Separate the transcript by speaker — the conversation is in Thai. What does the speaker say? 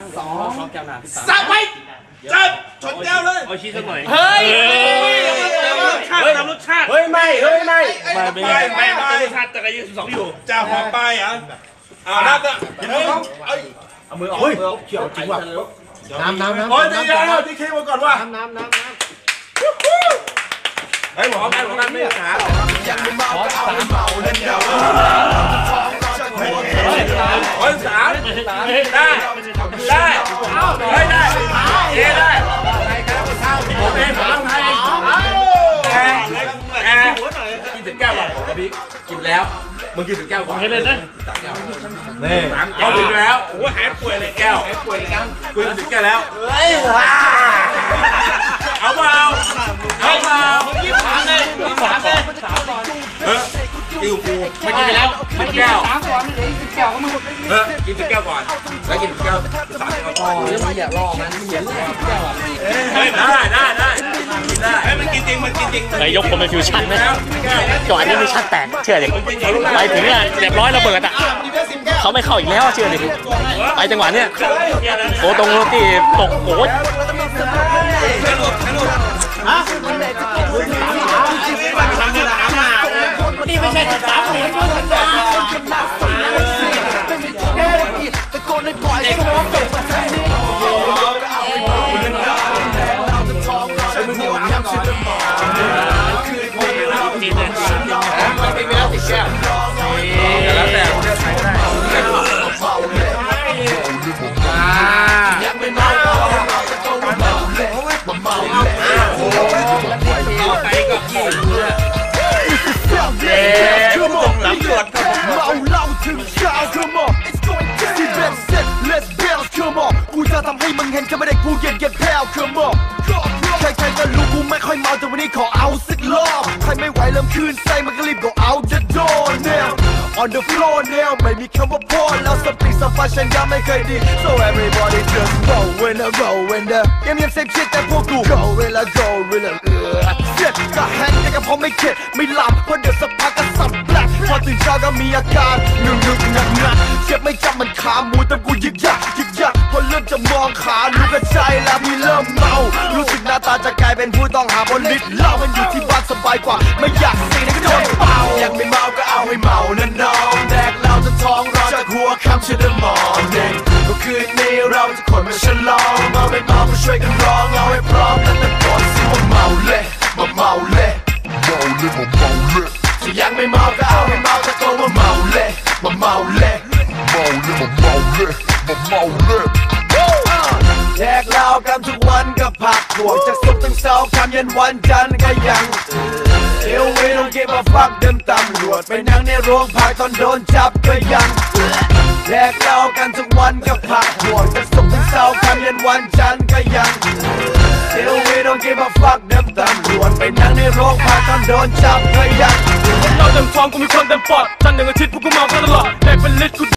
Speaker 1: 2แก้วน้ำ
Speaker 2: สับไปจับชนแก้วเลย
Speaker 1: เอาชี้สักหน่อย
Speaker 2: เฮ้ยรสชาติ
Speaker 3: เฮ้ยไม่รส
Speaker 1: ชาติแต่ก็ยัง12อยู่
Speaker 2: จะหอมไปอ่ะนับอ่ะ
Speaker 3: เอามือออกเขียวจริงว่ะน้ำ
Speaker 2: โอ้ยดีแล้วดีเคมาก่อนว่ะ
Speaker 3: น้ำ
Speaker 2: เฮ้ยหมอกันไม่ขายังไม่เมาก็เอาไม่เมาเล่นเดียวโอ้ย3ได้โอเคผมต้องให้กินถึงแก้วก่อนพี่กินแล้วมึงกินถึงแก้วก่อน
Speaker 1: ให้เล่นนะ
Speaker 3: นี่
Speaker 2: เอาถึงแล้วโอ้หายป่วยเลยแก้วกินถึงแก้วแล้วเอาเปล่า23เลยอิ่วปู
Speaker 1: ไม่กินไปแล้ว
Speaker 2: ไม่แก้วกินถึงแก้วก่อนแล้วกินถึงแก้ว3แก้วก่อน
Speaker 3: อย่ารอมันเหยียบแก้วอ่ะ
Speaker 2: ได้ให้มันกินจริง
Speaker 1: ไอ้ยกคนเป็นฟิวชั่นไหมก่อนนี้มีชั่นแตกเชื่อดิไปถึงเนี่ยเรียบร้อยระเบิดอ่ะเขาไม่เข้าอีกแล้วเชื่อดิไปจังหวะเนี้ยโอ้ตรงโรตีตกโอ้ยนี่ไม่ใช่13เหรียญด้วยนะ
Speaker 2: แล้วแต่เลือกใครได้ไปก็กินชั่วโมงตำรวจ
Speaker 4: เมาเหล้าถึงเช้า Come onที่เบ็ดเสร็จ Let's build Come on กูจะทำให้มึงเห็นแค่ไม่ได้กูเย็นแผ่ว Come on ใครก็รู้กูไม่ค่อยเมาแต่วันนี้ขอเอาสักรอบใครไม่ไหวเริ่มคืนไส้มันก็รีบ go out the door now on the floor now ไม่มีคำว่าพอแล้วสติสัมปชัญญะไม่เคยดี so everybody just go in theเงียบเซ็กชิดแต่พวกกู go in theเสร็จก็แฮนแต่ก็พอไม่เข็ดไม่หลับเพราะเดี๋ยวสักพักก็สับแปลกพอตื่นเช้าก็มีอาการหนึกหนักเจ็บไม่จำมันขาหมูแต่กูยึกยักพอเริ่มจะมองขารู้กระใจแล้วมีเริ่มเมารู้สึกหน้าตาจะกลายเป็นผู้ต้องหาบนลิสต์เหล้ามันอยู่ที่บ้านสบายกว่าไม่อยากเสี่ยงก็โดนเป่ายังไม่เมาก็เอาให้เมานะน้องแดกเราจะท้องร้อนจากหัวค่ำจนถึงมอร์นิ่งก็คืนนี้เราจะคนมาฉลองเมาไม่เมาก็ช่วยกันร้องเอาให้พร้อมแล้วตะโกนสิว่าเมาเละจะยังไม่เมาก็เอาให้เมาตะโกนว่าเมาเละแดกเหล้ากันทุกวันก็พักพวกจากศุกร์ถึงเสาร์ค่ำยันวันจันทร์ก็ยังเที่ยวเวรต้องเก็บมาฟักเดิมตำรวจไปนั่งในโรงพักตอนโดนจับก็ยังแดกเหล้ากันทุกวันก็พักพวกจากศุกร์ถึงเสาร์ค่ำยันวันจันทร์ก็ยังเที่ยวเวรต้องเก็บมาฟักเดิมตำรวจไปนั่งในโรงพักตอนโดนจับก็ยังเราเต็มท้องกูมีคนเต็มปอดจันทร์1 อาทิตย์พวกกูเมาตลอดแดกเป็นลิตรกู